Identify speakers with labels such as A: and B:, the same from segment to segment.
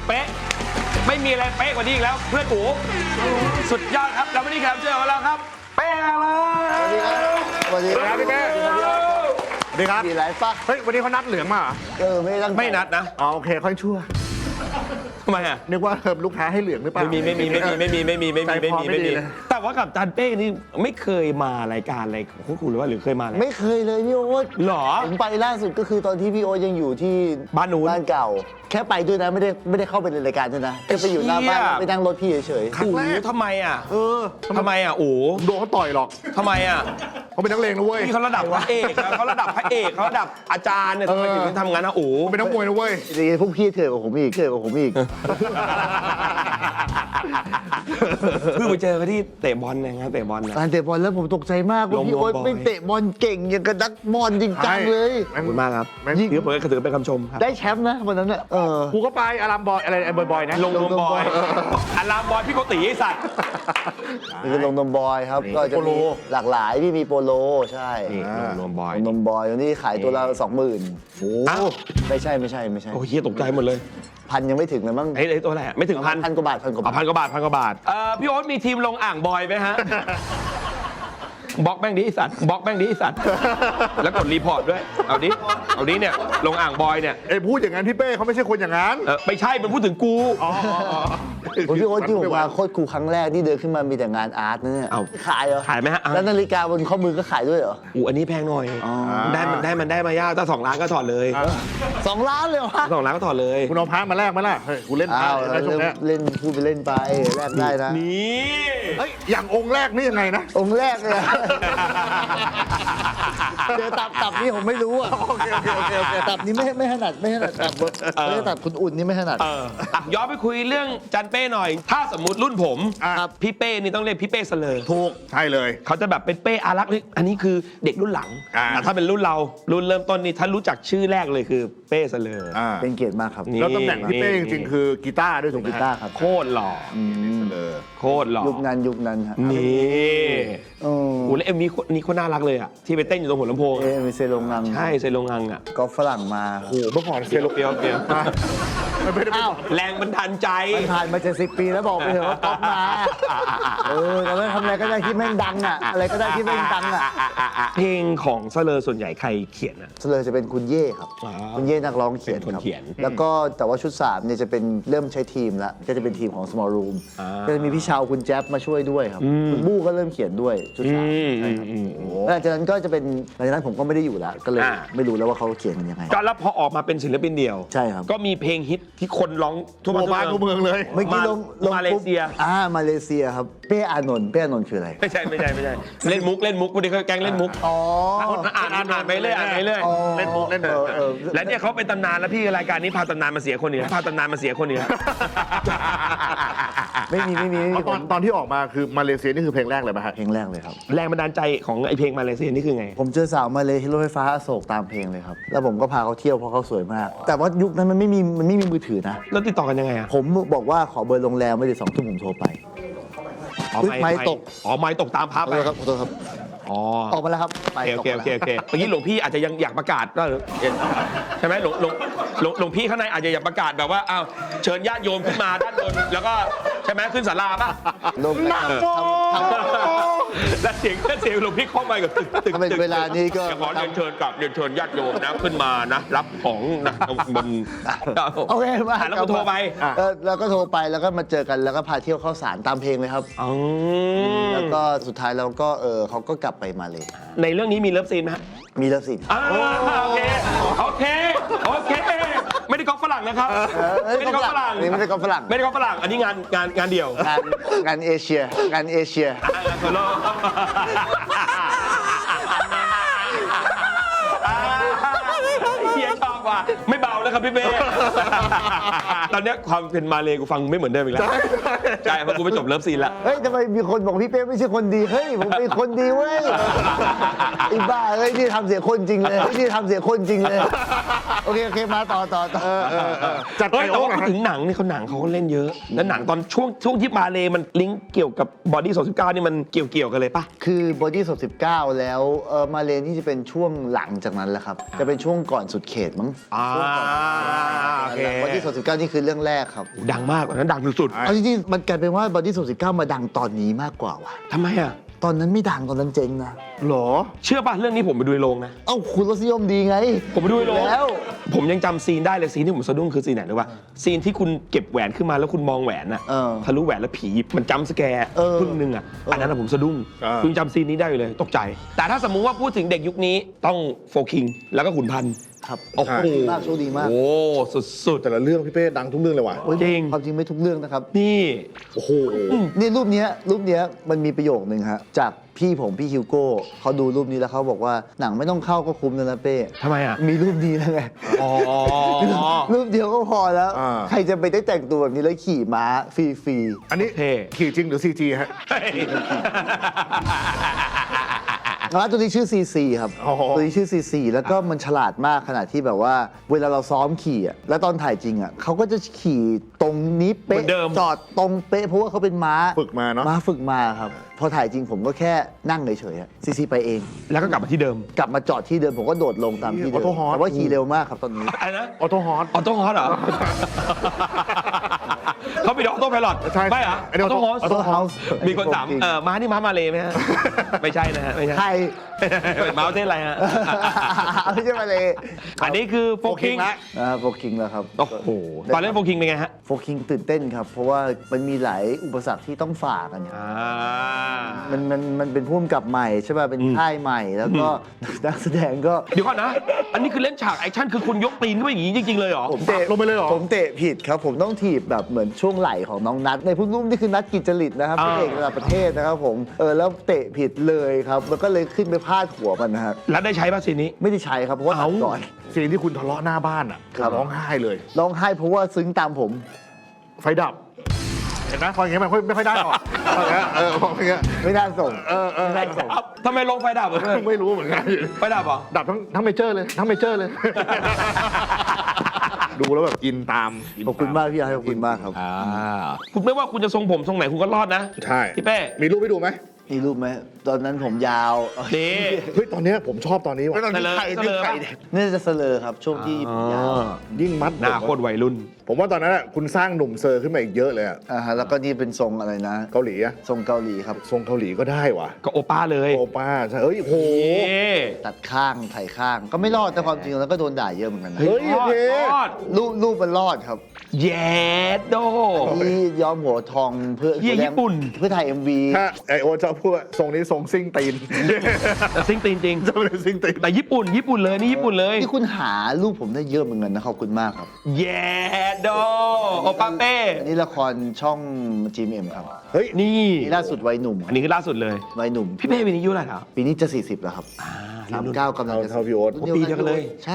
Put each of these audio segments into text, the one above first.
A: เป๊ะไม่มีอะไรเป๊ะกว่านี้อีกแล้วเพื่อนอู๋สุดยอดครับแล้ววันนี้แขกรับเชิญของเราครับเป๊ะเลย
B: สวัสดีครับพี่เป้สวัสดีครับ
C: มีไรปะ
B: เฮ้ยวันนี้เขานัดเหลืองมาเหรอ
C: ไม่ตั้งใจ
A: ไม่นัดนะ
B: อ๋อโอเคค่อยชั่ว
A: ทำไมอ่ะ
B: นึกว่าลูกค้าให้เหลืองหรือเปล่า
A: ไม่มีแต่ว่ากับจันเป้นี่ไม่เคยมารายการอะไรของคุณหรือว่าหรือเคยมาอะไร
C: ไม่เคยเลยพี่โอ๊ต
A: หรอ
C: ผมไปล่าสุดก็คือตอนที่พี่โอ๊ตยังอยู่ที่
A: บ้านนู้น
C: บ้านเก่า แค่ไปด้วยนะไม่ได้เข้าไปในรายการด้วยนะแค่ไปอยู่หน้าบ้านไปนั่งรถพี่เฉย
B: ครั้งแรก
A: ทำไมอ่ะ
B: ทำไมโดนเขาต่อยหรอก
A: ทำไมอ่ะ
B: เขาเป็นนักเลงนะเว้ย
A: นี่เขาระดับพระเอกนะเขาระดับพระเอกเขาระดับอาจารย์เนี่ยทำไมถึงทำงั้นนะโอ้
B: เขาเป็นนักมวยนะเว้ย
C: ๆจริงๆพวกพี่เถื่อนกว่าผมอีก
A: เพิ่งไปเจอเขาที่เตะบอลนะเตะบอลนะ
C: การเตะบอลแล้วผมตกใจมากว่าพี่โอ๊ต
A: ลงบอล
C: ไม่เตะบอลเก่งอย่างกับนักบอลจริงจังเลย
A: ขอบคุณมากครับ
B: แม่ง
A: ถือเป็นคำชมครับ
C: ได้แชมป์นะวันนั้นน่ะ
B: กูก็ไปอารามบอยอะไรบอยๆนะ
A: ลงนมบอยอารามบอยพี่โกติไอสัตว์
C: นี่คือลงนมบอยครับก็จะมีหลากหลายพี่มีโปโลใช่
A: นี่ลงนมบอย
C: ลงนมบอยวันนี้ขายตัวละ20,000
A: โอ้
C: ไม่ใช่
A: โหเฮียตกใจหมดเลย
C: พันยังไม่ถึงเลยมั้ง
A: ไอ้ตัวอะไรไม่ถึงพัน
C: พันกว่าบาทพันกว่าบาท
A: พันกว่าบาทพี่โอ๊ตมีทีมลงอ่างบอยไหมฮะบล็อกแม่งดิไอสัตว์บล็อกแม่งดิไอสัตว์แล้วกดรีพอร์ตด้วยเอาดิเนี่ยลงอ่างบอยเนี่ย
B: ไอ้พูดอย่างนั้นพี่เป้เขาไม่ใช่คนอย่างนั้น
A: ไม่ใช่มันพูดถึงกู
C: พี่โอ๊ตที่ผมมาโคตรครูครั้งแรกที่เดินขึ้นมามีแต่งานอาร์ตนะเนี่ย
A: เอ้า
C: ขายเหรอ
A: ขายไหมฮะ
C: แล้วนาฬิกาบนข้อมือก็ขายด้วยเหรอ
A: อันนี้แพงหน่อย
C: อ๋อ
A: ได้มายากถ้า2 ล้านก็ถอดเลย
C: 2 ล้านเลยเหรอวะ
A: 2 ล้านก็ถอดเลย
B: คุณเอาพระมาแลกไหมล่ะเฮ้ยกูเล่นพระ
C: อ้าว
B: ได้ช่วงเนี้ย
C: เล่นพูดไปเล่นไปแลกได้นะ
A: นี่
B: เฮ้ยอย่างองค์แรกนี่ยังไงนะ
C: องค์แรกเลยอะเจอตับนี่ผมไม่รู้อ่ะ
B: โอเค
C: ตับนี้ไม่ถนัดตับไม่ได้ตับคุณอุ่นนี่ไม่ถนัด
A: ย้อนไปคุยเรื่องจันเป้หน่อย ถ้าสมมุติรุ่นผม
B: ครับ
A: พี่เป้นี่ต้องเรียกพี่เป้เสลอ
B: ถูกใช่เลย
A: เขาจะแบบเป็นเป้อารักษ์อันนี้คือเด็กรุ่นหลัง
B: อ่า
A: แต่ถ้าเป็นรุ่นเรารุ่นเริ่มต้นนี่ถ้ารู้จักชื่อแรกเลยคือเป้เสลอ
C: เป็นเกียรติมากครับ
A: นี่
B: แล้วตำแหน่งพี่เป้จริงๆคือกีตาร์ด้วยถูกไหม
C: กีตาร์ครับ
A: โคตรหล่อ
B: เลย
A: โคตรหล่อ
C: ยุคนั้นฮะ
A: นี่
C: โอ้
A: โอ้แล้วเอ็มวีนี่โคตรน่ารักเลยอ่ะที่ไปเต้นอยู่ตรงหัวลำโพง
C: มีเซโรงงาน
A: ใช่เซโรงงังอ่ะ
C: ก็ฝรั่งมา
B: โอ้โหเมื่อก่อน
A: เปียวเปียวเปียว
B: ไม่ได้
C: อ้าว
A: แรงบันดาลใจ
C: มันผ่านมา70 ปีแล้วบอกไปเถอะว่าก๊อฟมาแต่ว่าทำอะไรก็ได้ที่แม่งดังอ่ะอะไรก็ได้ที่แม่งดังอ่ะ
A: เพลงของเสลอส่วนใหญ่ใครเขียนอ่ะ
C: เลยจะเป็นคุณเย่ครับ
A: อ๋อ
C: คุณเย่นักร้องเขียน
A: เป็นคน
C: ครับ
A: เขียน
C: แล้วก็แต่ว่าชุด3เนี่ยจะเป็นเริ่มใช้ทีมแล้วก็จะเป็นทีมของ small room
A: อ่า
C: ก็จะมีพี่ชาวคุณแจ๊บมาช่วยด้วยครับคุณบู้ก็เริ่มเขียนด้วยชุด3ใช่ครับแล้วหลังจากนั้นก็จะเป็นหลังจากนั้นผมก็ไม่ได้อยู่แล้วก็เลยไม่รู้แล้วว่าเขาเขียนกันยังไง
A: ก็แล้วพอออกมาเป็นศิลปินเดี่ยว
C: ใช่ครับ
A: ก็มีเพลงฮิตที่คนร้องทั่ว
B: ทั่วบ้านทั่วเมืองเลย
C: เมื่อกี้ลง
A: มาเลเซีย
C: มาเลเซียครับเป้อานนท์คืออะไร
A: ไม่ใช่เล่นมุกวันนี้เขาแกล้งเล่นมุก
C: อ๋อ
A: อ่านไปเรื่อย
B: เล่นมุกเล่นมุก
A: แล้วเนี่ยเขาเป็นตำนานแล้วพี่รายการนี้พาตำนานมาเสียคนเหนือพาตำนานมาเสียคนเหนือ
C: ไม่มี
B: ตอนที่ออกมาคือมาเลเซียนี่คือเพลงแรกเลยป่ะฮะ
C: เพลงแรกเลยครับ
A: แรงบันดาลใจของไอเพลงมาเลเซียนี่คือไง
C: ผมเจอสาวมาเลยที่รถไฟฟ้าอโศกตามเพลงเลยครับ แล้วผมก็พาเขาเที่ยวเพราะเขาสวยมาก แต่ว่ายุคนั้นมันไม่มีมือถือนะ
A: แล้วติดต่อกันยังไงอ่ะ
C: ผมบอกว่าขอเบอร์โรงแรมไม่ได้2 ทุ่มผมโทรไป ไม้ตก
A: อ๋อไม้ตกตามพับ
C: ขอโทษครับขอโทษครับ
A: อ๋อ
C: ออกมาแล้วครับไป
A: โอ
C: ตก
A: เค
C: มาแล้ว
A: เมื่อกี้หลวงพี่อาจจะยังอยากประกาศก็ใช่ไหมหลวงพี่ข้างในอาจจะอยากประกาศแบบว่าอ้าวเชิญญาติโยมขึ้นมาด้านบนแล้วก็ใช่ไหมขึ้นศาลาป่ะ
C: ลงไปทำ
A: แล้วเสียงหลวงพี่เข้ามากับตึก
C: ถ้าเป็นเวลานี้ก็
A: ขอเรียนเชิญญาติโยมนะขึ้นมานะรับของนะบน
C: โอเคมา
A: แล้วก็โทรไป
C: แล้วก็โทรไปแล้วก็มาเจอกันแล้วก็พาเที่ยวเข้าสารตามเพลงเลยครับ
A: อ๋อ
C: แล้วก็สุดท้ายเราก็เขาก็กลับไปมาเลย
A: ในเรื่องนี้มีเลิฟซีนไหมฮะ
C: มีแล้วสิ
A: โอเคไม่ได้ก๊อปฝรั่งนะครับไม่ได้ก๊อปฝรั่ง
C: นี่ไม่ได้ก๊อปฝรั่ง
A: ไม่ได้ก๊อปฝรั่งอันนี้งานเดี่ยว
C: งานเอเชียงานเอเชีย
A: โซโล่เฮียชอบว่ะไม่เบาแล้วครับพี่เป้ตอนเนี้ยความเป็นมาเลกูฟังไม่เหมือนเดิมอีกแล้วใช่เพราะกูไปจบเลิฟซีนแล้ว
C: เฮ้ยทำไมมีคนบอกพี่เป้ไม่ใช่คนดีเฮ้ยผมเป็นคนดีเว้ยไอ้บ้าเฮ้ยนี่ทำเสียคนจริงเลยนี่ทำเสียคนจริงเลยโอเคมาต่อ
B: จัดไป
A: แต่
B: โอ้
A: ว่า
B: หน่อย
A: พูดถึงหนังนี่เขาหนังเขาก็เล่นเยอะ แล้วหนังตอนช่วงที่มาเลมันลิงก์เกี่ยวกับบอดี้29นี่มันเกี่ยวกันเลยปะ
C: คือบอดี้สด19แล้วมาเลนี่จะเป็นช่วงหลังจากนั้นแหละครับจะเป็นช่วงก่อนสุดเขตมั้ง
A: โอเค
C: บอดี้19นี่คือเรื่องแรกครับ
A: ดังมากกว่านั้นดังสุด
C: เอาจริงๆมันกลายเป็นว่าบอดี้19มาดังตอนนี้มากกว่าว่ะ
A: ๆทำไมอ่ะ
C: ตอนนั้นไม่ดังตอนนั้นเจ๊งนะ
B: หรอ
A: เชื่อป่ะเรื่องนี้ผมไปดูในโรงนะ
C: เอ้าคุณรสนิยมดีไง
A: ผมไปดูในโรง
C: แล้ว
A: ผมยังจำซีนได้เลยซีนที่ผมสะดุ้งคือซีนไหนรู้ป่ะซีนที่คุณเก็บแหวนขึ้นมาแล้วคุณมองแหวนอะ
C: เออ
A: ทะลุแหวนแล้วผีมันจำสแกร์
C: เออ
A: พึ่งนึงอะอันนั้นอะผมสะดุ้ง
B: อ่า
A: คุณจำซีนนี้ได้อยู่เลยตกใจ แต่ถ้าสมมุติว่าพูดถึงเด็กยุคนี้ต้องโฟคิงแล้วก็ขุนพันธ์
C: ครับ
A: โอ้โห
C: มากโชคดีมาก
A: โอ้สุด
B: แต่ละเรื่องพี่เป้ดังทุกเรื่องเลยว่ะ
C: โอ้ย
A: จริง
C: ความจริงไม่ทุกเรื่องนะครับ
A: ๆนี่
B: โอ้โห
C: นี่รูปเนี้ยมันมีประโยคนึงฮะจากพี่ฮิวโก้เขาดูรูปนี้แล้วเขาบอกว่าหนังไม่ต้องเข้าก็คุ้มแล้วนะเป้
A: ทำไมอะ
C: มีรูปนี้แล้วไง
A: อ๋อ
C: รูปเดียวก็พอแล้ว
B: อ่า
C: ใครจะไปได้แต่งตัวแบบนี้แล้วขี่ม้าฟรี
B: อันนี้
A: เท่
B: ขี่จริงหรือ CG ฮะ
C: ๆม้าตัวนี้ชื่อ CC ครับ
B: อ๋อ
C: ตัวนี้ชื่อ CC แล้วก็มันฉลาดมากขนาดที่แบบว่า เวลาเราซ้อมขี่อ่ะแล้วตอนถ่ายจริงอ่ะเขาก็จะขี่ตรงนี้เป๊ะ
A: เหมือนเดิม
C: จอดตรงเป๊ะเพราะว่าเขาเป็นม้า
B: ฝึกมาเนาะ
C: ม้าฝึกมาครับพอถ่ายจริงผมก็แค่นั่งเฉยๆอะ CC ไปเอง
A: แล้วก็กลับมาที่เดิม
C: กลับมาจอดที่เดิมผมก็โดดลงตามที่เดิม
B: ออโต้ฮอร์ส
C: แต่ว่าขี่เร็วมากครับตอนนี้
A: อะไรนะ
B: ออโต้ฮอร์ส
A: ออโต้ฮอสเหรอ เขาไปดออโต้ไพลอต
B: ใช่
A: ไม่เหรอ
B: อันนี้
A: ออโต้ฮอส
B: Auto House
A: มีคนถามม้านี่ม้ามาเลยไหมฮะ ไม่ใช่นะฮะไม่ใช่
C: ใคร
A: ม้าประเทศอะไรฮะ
C: ไม่ใช่มาเลย
A: อันนี้คือโฟคิง
B: ละ
C: โฟกิงแล้วครับ
A: โอ้โหตอนเล่นโฟคิงเป็นไงฮะ
C: โฟกิงตื่นเต้นครับ เพราะว่ามันมีหลายอุปสรรคที่ต้องฝ่ากันเนี่ย มันเป็นผู้กำกับใหม่ใช่ป่ะ เป็นค่ายใหม่แล้วก็นักแสดงก็
A: เดี๋ยวก่อนนะ อันนี้คือเล่นฉากแอคชั่นคือคุณยกตีนขึ้นไปอย่างนี้จริงๆเลยเหรอ
C: ผมเตะ
B: ลงไปเลยเหรอ
C: ผมเตะผิดครับ ผมต้องถีบแบบเหมือนช่วงไหล่ของน้องนัทในพุ่นุ่มนี่คือนัทกิจจริตนะครับเป็นเอกระดับประเทศนะครับผมแล้วเตะผิดเลยครับมันก็เลยขึ้นไปพาดหัวมันนะครับ
A: แล้วได้ใช้ป่ะซีนนี้
C: ไม่ได้ใช้ครับเพราะว่าตัดก่อน
B: ซีนที่คุณทะเลาะหน้าบ้านอ่ะ
C: ครับ
B: ร้องไห้เลย
C: ร้องไห้เพราะว่าซึ้งตามผม
B: ไฟดับ เห็นไหมพออย่างเงี้ยมันไม่ค่อยได้หรอกพออย่างเงี้ยพออย่างเงี้ย
C: ไม่น่าส่ง
B: ไม่ได้ส่ง
A: ทำไมลงไฟดับอ่ะเพื่อน
B: ไม่รู้เหมือนกัน
A: ไฟดับเหรอ
B: ดับทั้งเมเจอร์เลย ทั้งเมเจอร์เลย ดูแล้วแบบอินตาม
C: ขอบคุณมากพี่ไอ้ขอบคุณมากครับ
A: คุณไม่ว่าคุณจะทรงผมทรงไหนคุณก็รอดนะ
B: ใช่
A: พี่เป้
B: มีรูปให้ดูไหม
C: มีรูปไหมตอนนั้นผมยาว
A: นี่
B: เฮ้ย ตอนเนี้ยผมชอบตอนนี้ว่ะ
A: เสลอเสลอป่ะ
C: นี่จะเสลอครับ ช่วงที่ผมยาว
B: ยิ่งมัด
A: หน้าโคตรวัยรุ่น
B: ผมว่าตอนนั้นอะคุณสร้างหนุ่มเซอร์ขึ้นมาอีกเยอะเลยอะ
C: ฮะแล้วก็นี่เป็นทรงอะไรนะ
B: เกาหลีอะ
C: ทรงเกาหลีครับ
B: ทรงเกาหลีก็ได้ว่ะ
A: ก็โอป้าเลย
B: โอป้าใช่เอ้ยโห
A: นี่
C: ตัดข้างไถ่ข้าง ก็ไม่รอดแต่ความจริงแล้วก็โดนด่าเยอะเหมือนกันนะ
B: เฮ้ย
A: รอด
B: โอเค
A: รอด
C: รูปมันรอดครับ
A: แย่โด
C: ที่ย้อมหัวทองเพื่อ
A: เหี้ยญี่ปุ่น
C: เพื่อถ่าย MV
B: ถ้าไอโอตชอบพูดว่าทรงนี้ทรงซิ่งตีน
A: แต่ซิงตีนจริง
B: จะไม่ได้ซิ่งตีน
A: แต่ญี่ปุ่นเลยนี่ญี่ปุ่นเลย
C: นี่คุณหารูปผมได้เยอะเหมือนกันนะขอบคุณมากครับ
A: แย่โดโอป้าเป้
C: อันนี้ละครช่อง GMM ครับ
B: เฮ้ย
A: นี่
C: นี่ล่าสุดวัยหนุ่ม
A: อันนี้คือล่าสุดเลย
C: วัยหนุ่ม
A: พี่เป้ปีนี้อายุเท่าไหร่แล้ว
C: ปีนี้จะ 40 แล้วครับ 39กำลังจะ
B: เท่าพี่โอ๊ต
C: รุ่น
A: ปีเดียวกันเลย
C: ใช่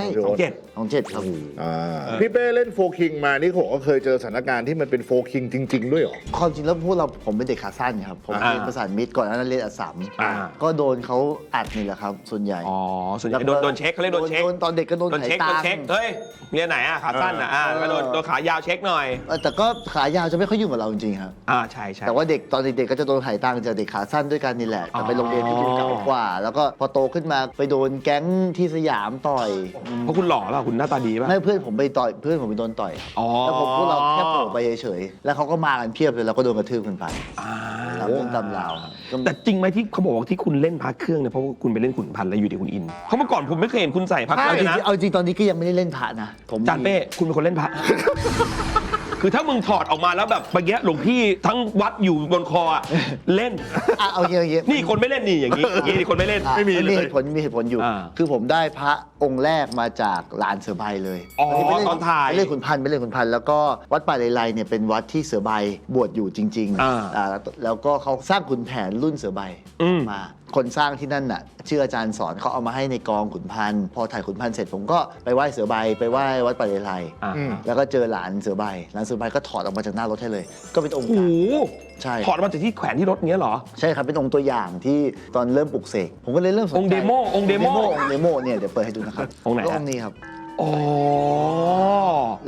A: 27
C: ครับ
B: พี่เป้เล่นโฟคิงมานี่ผมก็เคยเจอสถานการณ์ที่มันเป็นโฟคิงจริง ๆ ด้วยเหรอ
C: ความจริงแล้วผมเป็นเด็กขาสั้นครับ ผมเรียนประสานมิตรก่อนหน้านั้นเรียนอัสสัม
A: อ่า
C: ก็โดนเขาอัดนี่แหละครับ ส่วนใหญ่
A: อ๋อส่วนใหญ่โดนเช็คเขาเรียกโดนเช็ค
C: ตอนเด็กก็โดน
A: โดน
C: ไถ
A: เช็ค
C: ตั
A: โดน
C: ง
A: เช็ค เฮ้ยเรียนไหนอ่ะขาสั้นอ่ะแล้วก็โดนขายาวเช็คหน่อย
C: แต่ก็ขายาวจะไม่ค่อยยุ่งกับเราจริงๆครับ
A: ใช่ใช่
C: แต่ว่าเด็กตอนเด็กๆก็จะโดนไถตังจากเด็กขาสั้นด้วยกันนี่แหละแต่ไปโรงเรียนที่ดูเก่ากว่า แล้วก็พอโตขึ้นมาไปโดนแก๊งที่สยามต่อย
A: เพราะคุณหล่อป่ะคุณหน้าตาดีป่ะ
C: ไม่เพื่อนผมไปต่อยเพื่อนผมไปโดนต่อย
A: อ๋อ
C: แล้วพวกเราแค่โผล่ไปเฉยๆแล้วเขาก็มากันเพียบเลยแล้วก็โดนกระทืบกันไป
A: อ่า
C: ตามเรื่องตามราวครับก็
A: แต่จริงไหมที่เขาบอกว่าที่คุณเล่นพระเครื่องเนี่ยเพราะว่าคุณไปเล่นขุนพันธ์แล้วอยู่ดีคุณอินเพราะเมื่อก่อนผมไม่เคยเห็นคุณใส่พระเครื่องเลยนะ
C: เอาจริงตอนนี้ก็ยังไม่ได้เล่นพระนะผม
A: จานเป้คุณเป็นคนเล่นพระ คือถ้ามึงถอดออกมาแล้วแบบเมื่อกี้หลวงพี่ทั้งวัดอยู่บนคออะเล่น
C: เอาเงี้ย
A: นี่คนไม่เล่นนี่อย่างนี้คนไม่เล่น
B: ไม่มีเลย
C: มีเหตุผลอยู่ คือผมได้พระองค์แรกมาจากลานเสือใบเลย
A: อ๋อ
C: ที่ไปเล่
A: ตอนถ่าย
C: ไปเล่นขุนพันธ์แล้วก็วัดป่าเลไลเนี่ยเป็นวัดที่เสือใบบวชอยู่จริง แล้วก็เขาสร้างขุนแผนรุ่นเสือใบมาคนสร้างที่นั่นน่ะชื่ออาจารย์สอนเขาเอามาให้ในกองขุนพันธ์พอถ่ายขุนพันธ์เสร็จผมก็ไปไหว้เสือใบไปไหว้วัดป่าเลไล แล้วก็เจอหลานเสือใบก็ถอดออกมาจากหน้ารถให้เลย ก็เป็นองค์
A: โอ้โห
C: ใช่
A: ถอดมาจากที่แขวนที่รถเงี้ยเหรอ
C: ใช่ครับเป็นองค์ตัวอย่างที่ตอนเริ่มปลุกเสกผมก็เลยเริ่มสนใจ
A: องค์เดโม
C: องค์เดโมเนี่ยเดี๋ยวเปิดให้ดูนะครับ
A: องค์ไหนฮะ
C: ก็องค์นี้ครับ
A: อ๋อ
C: แล้ว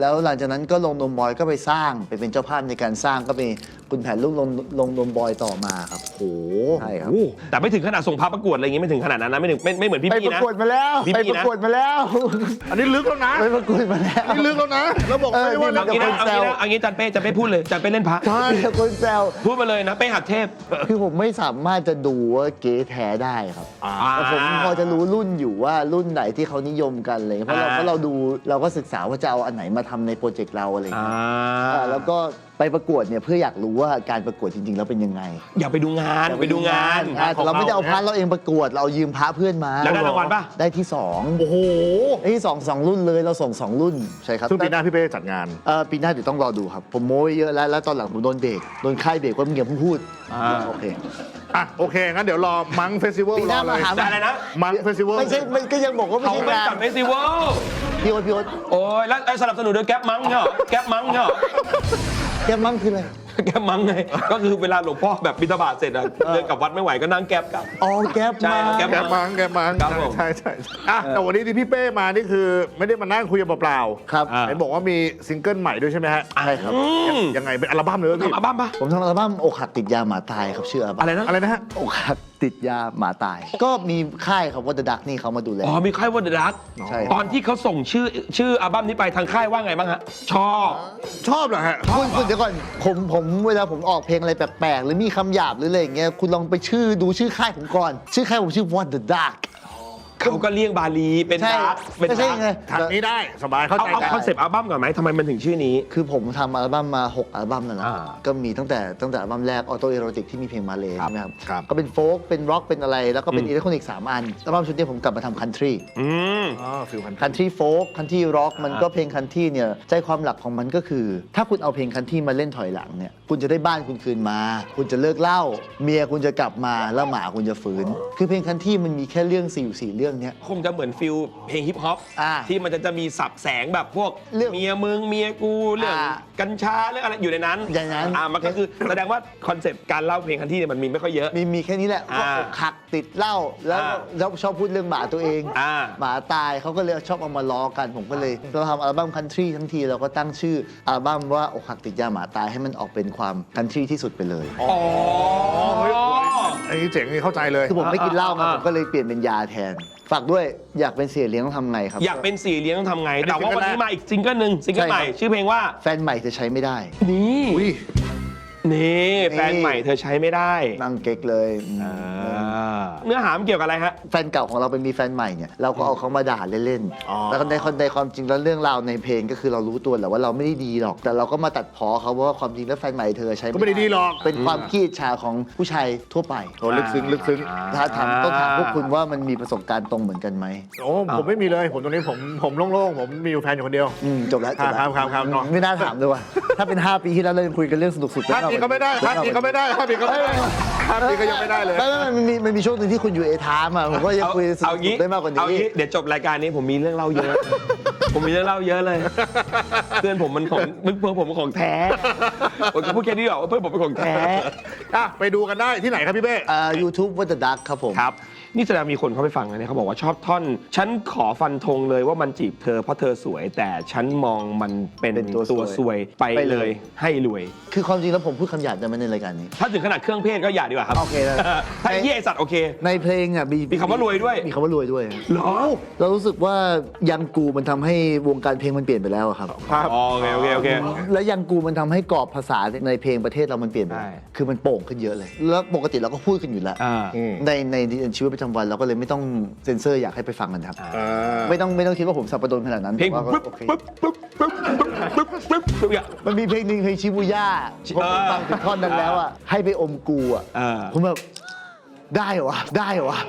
C: แล้วหลังจากนั้นก็ลงนมบอยก็ไปสร้างไปเป็นเจ้าภาพในการสร้างก็มีคุณแผนลูกลงนมบอยต่อมาครับ
B: โอ้โห
C: ใช่ครับ
A: แต่ไม่ถึงขนาดส่งพาประกวดอะไรอย่างงี้ไม่ถึงขนาดนั้นนะไม่เหมือนพี่
C: ไป
A: พี่
C: ประ
A: นะ
C: กวดมาแล้ว
A: พี่
C: ไป
A: พี่
C: ประ
A: นะ
C: กวดมาแล้ว
B: อันนี้ลึกแล้วนะ
C: ไปประกวดมาแล้ว
B: นี่ลึกแล้วนะแล้วบอกไม่ได้ว่า
C: เออ
A: เอางี้นะเอางี้จันเป้พูดเลยจันเป้เล่นพระ
B: ใช่
C: มีแต่คนแซว
A: พูดมาเลยนะเป้หัดเทพ
C: คือผมไม่สามารถจะดูว่าเก๋แท้ได้ครับ
B: อ่า
C: แต่ผมพอจะรู้รุ่นอยู่ว่ารุ่นไหนที่เขานิยมกันอะไรเลยเพราะเราดูเราก็ศึกษาว่าจะเอาอันไหนมาทำในโปรเจกต์เราอะไรอย่างเงี้ยแล้วก็ไปประกวดเนี่ยเพื่ออยากรู้ว่าการประกวดจริงๆแล้วเป็นยังไง
A: อยากไปดูงานไปดูงาน
C: แต่เราไม่ได้เอาพระเราเองประกวดเราเอายืมพระเพื่อนมา
A: แล้วได้รางวัลป่ะ
C: ได้ที่สอง
B: โอ้โห
C: ได้ที่สองรุ่นเลยเราส่งสองรุ่นใช่ครับ
B: ซึ่งปีหน้าพี่เป้จัดงาน
C: ปีหน้าเดี๋ยวต้องรอดูครับ ผมโม้ไว้เยอะแล้วตอนหลังผมโดนเบรกโดนค่ายเบรกว่ามึงอย่าเพิ่งพูดโอเค
B: อ่ะโอเคงั้นเดี๋ยวรอมังเฟสติวัล
C: ปีห
B: ร
C: น้า
B: อเล
C: มาย หา
A: ได้เลยนะ
B: มังเฟสติวัล
C: ไม่ใช่มันก็ยังบอกว่าไม่
A: เขา
C: ใช่
A: ไม่
C: งาน
A: จัดเฟสติวัล
C: พี่โอ๊ต
A: โอ้ยแล้วสนับสนุนโดยแก๊ปมั้งเหรอแก๊ปมั้งเหรอ
C: แกมั่งคืออะไร
A: แก๊ปมั้งไงก็คือเวลาหลวงพ่อแบบบิณฑบาตเสร็จอะเดินกลับวัดไม่ไหวก็นั่งแก๊ปกลับ
C: อ๋อแก๊ป
A: ใช่
C: มา
A: แก๊ป
B: แกมัง
A: ครับผม
B: ใช่อ่ะแต่วันนี้ที่พี่เป้มานี่คือไม่ได้มานั่งคุยกันเปล่า
C: ครับ
B: เห็นบอกว่ามีซิงเกิลใหม่ด้วยใช่ไหมฮะ
C: ใช่ครับ
B: ยังไงเป็นอัลบั้มเลยเหรอพี่
A: ทำอัลบั้มปะ
C: ผมทำอัลบั้มอกหักติดยาหมาตายครับชื่ออัลบั้
A: อะ
C: ม
A: ไรนะ
B: อะไรนะฮะ
C: อกหักติดยาหมาตาย ก็มีค่ายครับว่า The Duck นี่เขามาดูแล
A: อ๋อมีค่ายว่าเดอะดัก
C: ใช่
A: ตอนที่เขาส่งชื่ออัลบั้มนี้ไปทางค่ายว่าไงบ้างฮะชอบ
B: ชอบเหรอฮะ
C: คุณเดี๋ยวก่อนผมเวลาผมออกเพลงอะไรแปลกๆ หรือมีคำหยาบหรืออะไรอย่างเงี้ยคุณลองไปดูชื่อค่ายผมก่อน ชื่อค่ายผมชื่อ What the Duck
A: เขาก็เลี่ยงบาลีเป็น
C: ใช่
A: ดาร์กเป็น
C: ไม่ใช่
A: ดาร์ก
C: ไง
B: ทางนี้ได้สบายเข้าใจ
A: เอา
B: กัน
A: คอนเซปต์อัลบั้มก่อนไหมทำไมมันถึงชื่อนี้
C: คือผมทำอัลบั้มมา 6 อัลบั้มนั่นแหละ
A: อ่า
C: ก็มีตั้งแต่อัลบั้มแรกออโตเอโรติกที่มีเพลงมาเลยใช่ไหมครับ
B: ครับ
C: ก็เป็นโฟล์กเป็นร็อกเป็นอะไร แล้วก็เป็นอิเล็กทรอนิกส์3 อันอัลบั้มชุดนี้ผมกลับมาทำคันทรี
A: อืม
B: อ๋อฟิลพัน
C: คันทรีโฟล์กคันทรีร็อกมันก็เพลงคันทรีเนี่ยใจความหลักของมันก็คือ ถ้าคุณเอาเพลงคันทรีมาเล่นถอยหลังเนี่ยคุณจะได้บ้านคุณคืนมา คุณจะเลิกเหล้าเมียคุณจะกลับมาแล้วหมาคุณจะฟื้นคือเพลงคันทรีมันมีแค่เรื่อง4 เรื่องเนี้ย
A: คงจะเหมือนฟิลเพลงฮิปฮอป
C: อ่า
A: ที่มันจะมีสับแสงแบบพวก
C: เรื่อง
A: เมียมึงเมียกูเรื่อง
C: อ่า
A: กัญชาเรื่องอะไรอยู่ในนั้น
C: อย่างนั้น
A: มันก็คือแสดงว่าคอนเซปต์การเล่าเพลงคันที่เนี่ยมันมีไม่ค่อยเยอะ
C: มีแค่นี้แหละ
A: อ่า
C: ก็อกหักติดเหล้าแล้ว
A: อ่า
C: แล้วชอบพูดเรื่องหมาตัวเอง
A: อ่า
C: หมาตายเขาก็เลยชอบเอามาล้อกันผมก็เลยเราทำอัลบั้มคันทรีทั้งทีเราก็ตั้งชื่ออัลบั้มว่าอกหักติดยาหมาตายให้มันออกเป็นความคันทรีที่สุดไปเลย
A: อ๋อ
B: เฮ้ยไอ้เจ๋งนี่เข้าใจเลย
C: คือผมไม่กินเหล้าไง
A: อ่า
C: ผมก็เลยเปลี่ยนเป็นยาแทน ฝากด้วยอยากเป็นเสียเลี้ยงต้องทำไงครับ
A: อยากเป็นสี่เลี้ยงต้องทำไง
B: อันนี้
A: แต่ว่าวันนี้
B: ซิงเกิลแรก
A: มาอีกซิงเกิลหนึ่งซิงเกิล
C: ใช่
A: ใหม่
C: ครับ
A: ชื่อเพลงว่า
C: แฟนใหม่จะใช้ไม่ได้
A: นี่
B: อุ้ย
A: นี่แฟนใหม่เธอใช้ไม่ได้
C: นั่งเก๊กเลย
A: เนื้อหามันเกี่ยวกับอะไรฮะ
C: แฟนเก่าของเราเป็นมีแฟนใหม่เนี่ยเราก็เอาเขามาด่าเล่น
B: อ๋อ
C: ๆแล้วก็ในความจริงแล้วเรื่องราวในเพลงก็คือเรารู้ตัวแหละว่าเราไม่ได้ดีหรอก แต่เราก็มาตัดพ้อเขาว่าความจริงแล้วแฟนใหม่เธอใช้
B: ก็ไม่ได้ดีหรอก
C: เป็นความขี้อิจฉาของผู้ชายทั่วไป
B: โอ้ลึกซึ้งลึกซึ้ง
C: ถ้าถามต้องถามพวกคุณว่ามันมีประสบการณ์ตรงเหมือนกันไหม
B: โอ้ผมไม่มีเลยผมตรงนี้ผมโล่งๆผมมีอยู่แฟนอยู่คนเดียว
C: จบแล้วจบแล้ว
B: ครับเนาะ
C: ไม่น่าถามเลยว่ะถ้าเป็น 5 ปีที่แล้วเรายังคุยกันเรื่องสนุกสุด
B: ภาพนี้ก็ไม่ได้ภาพนี้ก็ไม่ได้ภาพนี้ก็ไม่ได้ภาพนี้ก็ยังไม่ได้เลย
C: มันมีช่วงหนึงที่คุณอยู่เอทามอ่ะผมก็ยังคุยส
A: เอา
C: นุ
A: งี้
C: กได้มากกว่า
A: เอา
C: นี้
A: งี้เดี๋ยวจบรายการนี้ผมมีเรื่องเล่าเยอะ ผมมีเรื่องเล่าเยอะเลย เพื่อนผมมันของเพื่อนผมมันของแท้ผมจะพูดแค่นี้หรอกว่าเพื่อนผมเป็นของแท้
B: อ่ะไปดูกันได้ที่ไหนครับพี่เป้
C: YouTube What the Duck ครับผม
A: ครับ นี่แสดงมีคนเข้าไปฟังนะเนี่ยเขาบอกว่าชอบท่อน ฉันขอฟันธงเลยว่ามันจีบเธอเพราะเธอสวย แต่ฉันมองมันเป็น
C: เป็นตัว
A: ตัวซวยไป
C: ไป
A: เล
C: เลย ย
A: ให้รวย
C: คือความจริงแล้วผมพูดคำหยาบได้ไหมในรายการนี้
A: ถ้าถึงขนาดเครื่องเพศก็อย่าดีกว่าครับ
C: โอเคนะ
A: ถ้าเยี่ยไอ้สัตว์โอเค
C: ในเพลงอ่ะ
A: มีคำว่ารวยด้วย
C: มีคำว่ารวยด้วย
A: เหรอ
C: เรารู้สึกว่ายังกูมันทำให้วงการเพลงมันเปลี่ยนไปแล้วอะครับ
B: ครับ
A: อ๋อโอเคโอเคโอเค
C: แล้วยังกูมันทำให้กรอบภาษาในเพลงประเทศเรามันเปลี่ยนไป
A: ใช่
C: คือมันโป่งขึ้นเยอะเลย แล้วปกติเราก็พูดกันอยู่แล้ว
A: อ่า
C: ในชีวิตประจำวันเราก็เลยไม่ต้องเซ็นเซอร์อยากให้ไปฟังกันครับ
B: อ่า
C: ไม่ต้องคิดว่าผมสับประดนขนาดนั้น
A: เพลง
C: แต่ว่า
A: ปึ๊บ
C: ก็โอเค
A: ปึ๊บปึ๊บปึ๊บปึ๊บปึ๊บปึ๊บปึ๊บอย่าง
C: มันมีเพลงหนึ่งเพลงชิบูย่าผมฟังถึงท่อนนั้นแล้วอ่ะให้ไปอมกูอ่ะ ผมแบบได้เหรอวะได้เหรอวะ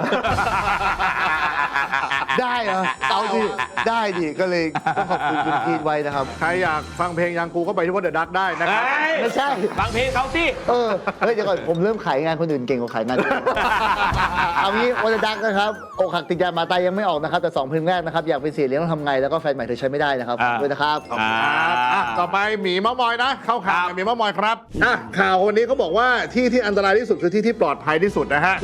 C: ได้เหรอเอาดิได้ดิก็เลยต้องขอบคุณคุณพีทไว้นะครับ
B: ใครอยากฟังเพลงยังกูก็ไปที่วัดเดอะดักได้นะครับ
C: ไม่ใช่
A: ฟังเพลงเขาสิ
C: เฮ้ยเดี๋ยวก่อนผมเริ่มขายงานคนอื่นเก่งกว่าขายงานตัวเองเอางี้วันดักนะครับอกหักติดยาหมาตายยังไม่ออกนะครับแต่2เพลงแรกนะครับอยากเป็นเสียเลี้ยงต้องทำไงแล้วก็แฟนใหม่เธอใช้ไม่ได้นะครับด้วยนะครับ
B: อ่ะต่อไปหมีมะมอยนะ เข้าข่าวกับหมีมะมอยครับอ่ะข่าววันนี้เขาบอกว่าที่อันตรายที่สุดคือที่ปลอดภัยที่สุดนะฮะ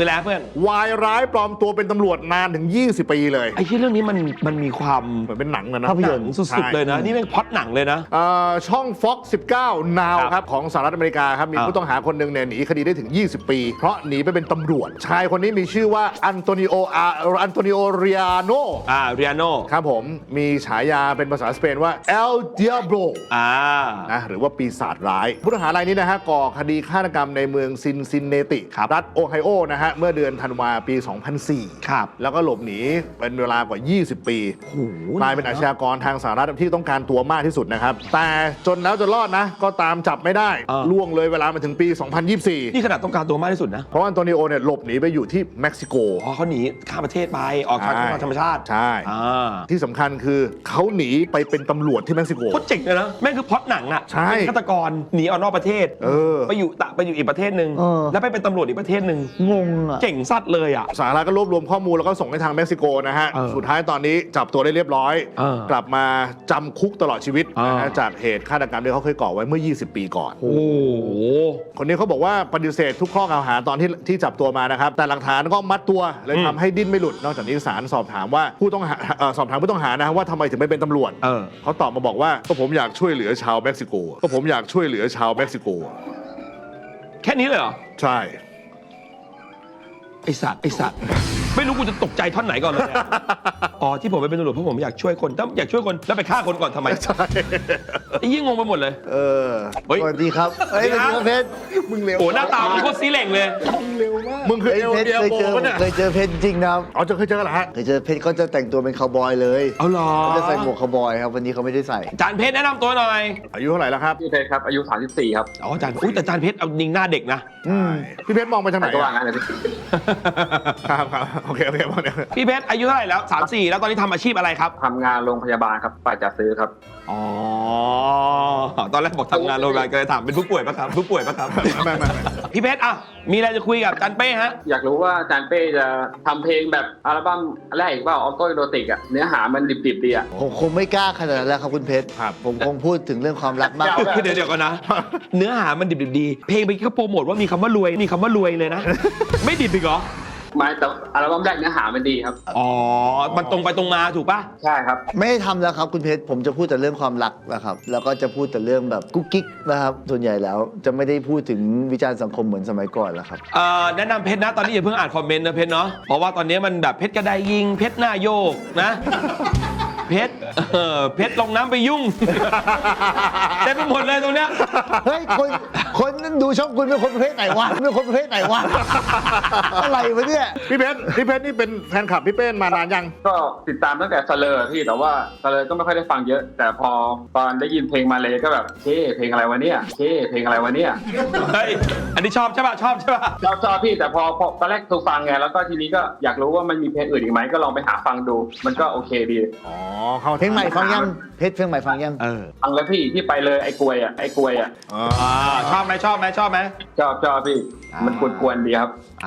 A: คือแล้วเพื่อน
B: วายร้ายปลอมตัวเป็นตำรวจนานถึง 20 ปีเลย
A: ไอ้ที่เรื่องนี้มันมีความ
B: เหมือนเป็นหนังเลยนะ
C: ภาพย
A: หนั
C: น
A: ง
C: ตร์
A: สุดๆเลยนะ นี่เป็นพล็อตหนังเลยนะ
B: ช่อง Fox 19 Now
A: ครับ
B: ครับของสหรัฐอเมริกาครับมี
A: ครับ
B: ผู้ต้องหาคนหนึ่งเนี่ยหนีคดีได้ถึง 20 ปี เพราะหนีไปเป็นตำรวจ ชายคนนี้มีชื่อว่าอันโตนิโอเรียโน
A: เรียโน
B: ครับผมมีฉายาเป็นภาษาสเปนว่า El Diablo นะหรือว่าปีศาจร้าย ผู้ต้องหารายนี้นะฮะก่อคดีฆาตกรรมในเมืองซินซินเนติ
A: ครับ
B: รัฐโอไฮโอนะฮะเมื่อเดือนธันวาปี 2004
A: ครับ
B: แล้วก็หลบหนีเป็นเวลากว่า 20 ปี
A: โอ้โห
B: กลายเป็นอาชญากรทางสหรัฐที่ต้องการตัวมากที่สุดนะครับ แต่จนแล้วจนรอดนะ ก็ตามจับไม่ได้ ล่วงเลยเวลามาถึงปี 2024
A: นี่ขนาดต้องการตัวมากที่สุดนะ
B: เพราะว่าอันโตนิโอเนี่ยหลบหนีไปอยู่ที่เม็กซิโก
A: อ๋อเขาหนีข้ามประเทศไปออกทางธรรมชาติ
B: ใช่
A: อ่า
B: ที่สำคัญคือเขาหนีไปเป็นตำรวจที่เม็กซิโก
A: โคตรเจ๋งเลยนะแม่งคือพล็อตหนังอ่ะ
B: ใช่
A: เป็นฆาตกรหนีออกนอกประเทศ ไปอยู่อีกประเทศหนึ่ง
C: เออ
A: แล้วไปเป็นตำรวจอีกประเทศหนึ่ง
C: งงอ่ะ
A: เจ๋งสัตว์เลยอ่ะ
B: สหรัฐก็รวบรวมข้อมูลแล้วก็ส่งให้ทางเม็กซิโกนะฮะ สุดท้ายตอนนี้จับตัวได้เรียบร้อย กลับมาจำคุกตลอดชีวิตนะฮะจากเหตุฆาตกรรมที่เขาเคยก่อไว้เมื่อ 20 ปีก่อน
A: โอ้โห
B: คนนี้เขาบอกว่าปฏิเสธทุกข้อกล่าวหาตอนที่จับตัวมานะครับ แต่หลักฐานก็มัดตัวเลยทำให้ดิ้นไม่หลุด นอกจากนี้ศาลสอบถามว่าผู้ต้องหาสอบถามผู้ต้องหานะว่าทำไมถึงไม่เป็นตำรวจ เขาตอบมาบอกว่าก็ผมอยากช่วยเหลือชาวเม็กซิโกก็ผมอยากช่วยเหลือชาวเม็กซิโก
A: แค่นี้เลยเหรอ
B: ใช่
A: ไอสัตว์ไม่รู้กูจะตกใจท่อนไหนก่อนเลยอะ อ๋อที่ผมไปเป็นตำรวจเพราะผมอยากช่วยคนถ้าอยากช่วยคนแล้วไปฆ่าคนก่อนทำไม
B: ใช่
A: ไอ้ยิ่งงงไปหมดเลย
B: เออ
A: เฮ้ย
C: สวัสดีครับเฮ้ยสวัสดีครับเพชร
B: มึงเร็ว
A: โอ้หน้าตามันโคตรซีเหล่งเลย
B: มึงคือ
C: เฮ้ย
B: เอล
C: เพชร
B: เดีย
C: เคย
B: โบ
C: เจอ
B: ปะเนี่ย
C: เคยเจอเพชรจริงนะครับ
B: อ๋อเคยเจอกันเหรอฮะ
C: เคยเจอเพชรก็จะแต่งตัวเป็นคาวบอยเลย
A: เอาเหรอ
C: เขาจะใส่หมวกคาวบอยครับวันนี้เขาไม่ได้ใส่
A: จานเพชรแนะนำตัวหน่อย
B: อายุเท่าไหร่แล้วครับ
D: พี่เพชรครับอายุ 34 ครับ
A: อ๋อจานอุ้ยแต่จานเพชรเอายิงหน้าเด็กนะ
B: พี่เพชรมองไปทางไหน
D: ก็ว่า
B: อะ
D: งั้นเลยพี่
B: ครับโอเคมองเนี่ย
A: พี่เพชรอายุเท่าไหร่แล้ว34แล้วตอนนี้ทำอาชีพอะไรครับ
D: ทำงานโรงพยาบาลครับฝ่ายจัดซื้อครับ
A: อ๋อตอนแรกบอกทำงานโรงพยาบาลก็เลยถามเป็นผู้ป่วยปะครับผู้ป่วยปะครับ
B: ไม่
A: พี่เพชรอ่ะมีอะไรจะคุยกับจานเป้ฮะ
D: อยากรู้ว่าอาจารย์เป้จะทำเพลงแบบอัลบั้มแรกอีกเปล่าออโต้โรติกอะเนื้อหามันดิบๆดีอะ
C: ผมคงไม่กล้าขนาดนั้นแล้วครับคุณเพชร
B: ครับ
C: ผมคงพูดถึงเรื่องความรักมาก
D: เอาแบบ
A: เดี๋ยวก่อนนะ เนื้อหามันดิบๆดีเพลงไปเขาโปรโมทว่ามีคำว่ารวยมีคำว่ารวยเลยนะ ไม่ดิบอีกเหรอ
D: ไม่แต่อัลบั้มแรกเนื้อหามันดีครับ
A: อ๋อมันตรงไปตรงมาถูกปะ
D: ใช่ครับ
C: ไม่ได้ทำแล้วครับคุณเพชรผมจะพูดแต่เรื่องความรักนะครับแล้วก็จะพูดแต่เรื่องแบบกุ๊กกิ๊กนะครับส่วนใหญ่แล้วจะไม่ได้พูดถึงวิจารณ์สังคมเหมือนสมัยก่อนแล้วครับ
A: แนะนำเพชรนะตอนนี้อย่าเพิ่งอ่านคอมเมนต์นะเพชรเนาะเพราะว่าตอนนี้มันแบบเพชรกระไดยิงเพชรหน้าโยกนะ เพชรเพชรลงน้ำไปยุ่ง เต็มไปหมดเลยตรงเนี้ย
C: เฮ้ยคนนั้นดูช่องคุณเป็นคนประเภทไหนวะเป็นคนประเภทไหนวะ อะไรวะเนี่ย
B: พี่เพชรนี่เป็นแฟนคลับพี่เป้มานานยัง
D: ก็ติดตามตั้งแต่สเลอร์พี่แต่ว่าสเลอร์ก็ไม่ค่อยได้ฟังเยอะ แต่พอตอนได้ยินเพลงมาเลยก็แบบเช่เพลงอะไรวะเนี่ยเช่เพลงอะไรวะเนี่ย
A: เฮ้ยอันนี้ชอบใช่ป่ะชอบใช่ป่ะ
D: ชอบพี่แต่พอตอนแรกถูกฟังไงแล้วก็ทีนี้ก็อยากรู้ว่ามันมีเพลงอื่นอีกไหมก็ลองไปหาฟังดูมันก็โอเคดี
B: อ๋อเข้า
C: เพลงใหม่ฟังยังเพชรเพลงใหม่ฟังยัง
D: ฟังแล้วพี่ที่ไปเลยไอ้กลวยอะ
B: อ๋อ
A: ชอบไหมชอบไหม
D: ชอบพี่มันกวนๆดีครับ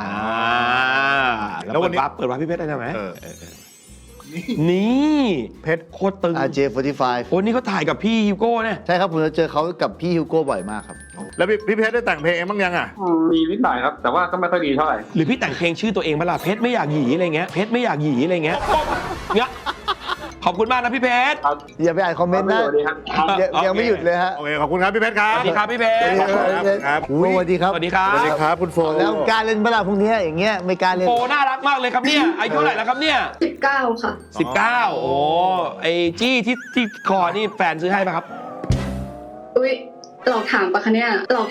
A: แล้ววันนี้เปิดวาร์ปพี่เพชรได้ไหม
B: เออ
A: นี่
B: เพชร
A: โคตรตึง
C: RJ45
A: โอ้นี่เขาถ่ายกับพี่ฮิวโก้เนี่ย
C: ใช่ครับผมจะเจอเขากับพี่ฮิวโก้บ่อยมากครับ
B: แล้วพี่เพชรได้แต่งเพลงเองบ้างยังอ่ะ
D: มีนิดหน่อยครับ แต่ว่าก็ไม่ค่อยดีเท่าไหร่
A: หรือพี่แต่งเพลงชื่อตัวเองเวลาเพชรไม่อยากหยีอะไรเงี้ยเพชรไม่อยากหยีอะไรเงี้ยเนี่ยขอบคุณมากนะพี่เพชร
D: ครับ
C: อย่าไปอ่านคอมเมนต์นะ
D: สวัสดีครับ
C: ยังไม่หยุดเลยฮะ
B: โอเคขอบคุณครับพี่เพชรครับ
A: สวัสดีครับพี่เพชร
B: ครับ
C: สวัสดีครับ
A: สวัสดีครับ
B: สวัสดีครับคุณโฟ
C: แล้วการเล่นเวลาพวกนี้อย่างเงี้ยไม่การเล่น
A: โฟน่ารักมากเลยครับเนี่ยอายุเท่าไหร่แล้วครับเนี่ย
E: 19 ค่ะ
A: 19โอ้ไอจี้ที่คอนี่แฟนซื้อให้ป่ะครับ
E: อุ๊ยหลอกถามปะคะเนี่ย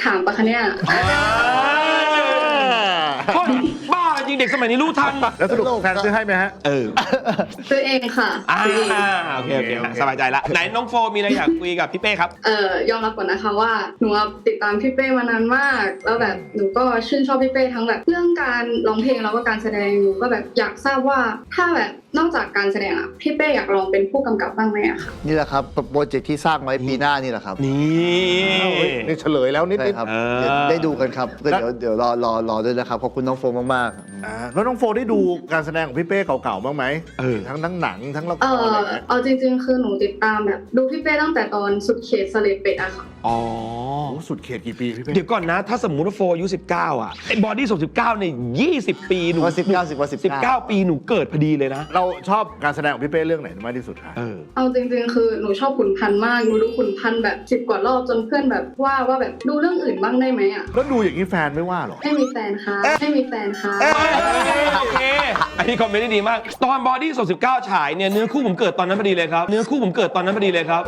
A: พ่อบ้าจริงเด็กสมัยนี้รู้ทัน
B: แล้วสรุปแฟนซื้อให้ไหมฮะ
E: ซื้อเองค่ะ ซื้อเอง
A: โอเคสบายใจละไหนน้องโฟมีอะไรอยากคุยกับพี่เป้ครับ
E: ยอมรับก่อนนะคะว่าหนูติดตามพี่เป้มานานมาก แล้วแบบหนูก็ชื่นชอบพี่เป้ทั้งแบบเรื่องการร้องเพลงแล้วก็การแสดงหนูก็แบบอยากทราบว่าถ้าแบบนอกจากการแสดงอะพี่เป้อยากลองเป็นผู้กำกับบ้างไหมอะคะ
C: นี่แหละครับโปรเจกต์ที่สร้างไว้ปีหน้านี่แหละครับ
A: นี่
B: นี่เฉลยแล้วนิด
C: ใช่
B: นิด
C: ครับเดี๋ยวได้ดูกันครับก็เดี๋ยวรอด้วยนะครับขอบคุณน้องโฟมมาก
B: แล้วน้องโฟได้ดูการแสดงของพี่เป้เก่าๆบ้างไหมทั้งหนังทั้งละครอะไรอย่างเงี้ย
E: เอาจริงๆ คือหนูติดตามแบบดูพี่เป้ตั้งแต่ตอนสุดเขตสเลดเป็ดอะค่ะ
A: อ๋อ
B: โอ้สุดเขตกี่ปีพี่เป้
A: เดี๋ยวก่อนนะ ถ้าสมมุติว่าโฟอายุ19อ่ะไอ้บอดี้19เนี่ย20 ปีหนู
C: ว่า19
A: 19 ปีหนูเกิดพอดีเลยนะ
B: เราชอบการแสดงของพี่เป้เรื่องไหนมากที่สุดคะ
E: เอาจริงๆ คือหนูชอบขุนพันธ์มากหนูดูขุนพันธ์แบบ10 กว่ารอบจนเพื่อนแบบว่าแบบดูเรื่องอื่นบ้างได้ไหมอะ
B: แล้วดูอย่างนี้แฟนไม่ว่าหรอ
E: ไม่มีแฟนค่ะไม่มีแฟนค่ะ
A: โอเค อันนี้คอมเมนต์ได้ดีมาก ตอนบอดี้19ฉายเนี่ยเนื้อคู่ผมเกิดตอนนั้นพอดีเลยครับ เนื้อคู่ผมเกิดตอนนั้นพอดีเลยครับ